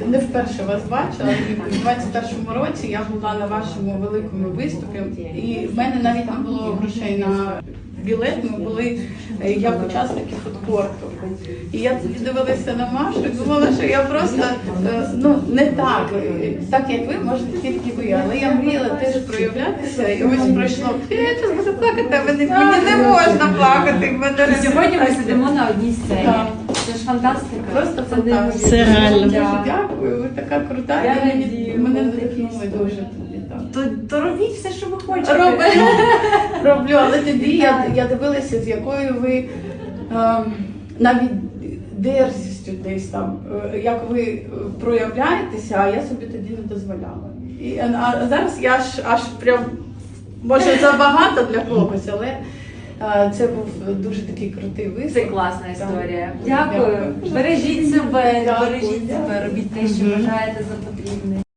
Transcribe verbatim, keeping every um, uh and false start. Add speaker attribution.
Speaker 1: не вперше вас бачила, і в двадцять першому році я була на вашому великому виступі, і в мене навіть не було грошей на білет, ми були е, як учасники фудкорту. І я тоді дивилася на Машу і думала, що я просто, е, ну, не так, е, так як ви, можете тільки ви, але я мріяла теж проявлятися, і ось пройшло, я зараз буду плакати, а мені, мені не можна плакати. в мене
Speaker 2: І сьогодні ми сидимо на одній сцені.
Speaker 1: Так.
Speaker 2: Це ж фантастика.
Speaker 1: Просто
Speaker 2: Це
Speaker 1: фантастика.
Speaker 3: Це реально.
Speaker 1: Дуже дякую, ви така крута,
Speaker 2: Я
Speaker 1: і мені-
Speaker 2: радію,
Speaker 1: мене
Speaker 2: ви
Speaker 1: надихнули
Speaker 2: такі
Speaker 1: дуже тобі. Так.
Speaker 2: То, то робіть все, що ви хочете.
Speaker 1: Роблю, роблю, але тоді я, я дивилася, з якою ви ем, навіть дерзістю десь там, е, як ви е, проявляєтеся, а я собі тоді не дозволяла. І, а зараз я аж, аж прям, може, забагато для когось, але е, це був дуже такий крутий виступ.
Speaker 2: Це класна історія.
Speaker 1: Так.
Speaker 2: Дякую.
Speaker 1: Дякую.
Speaker 2: Бережіть себе,
Speaker 1: Дякую,
Speaker 2: бережіть себе,
Speaker 1: дякую.
Speaker 2: робіть те, що вважаєте за потрібне.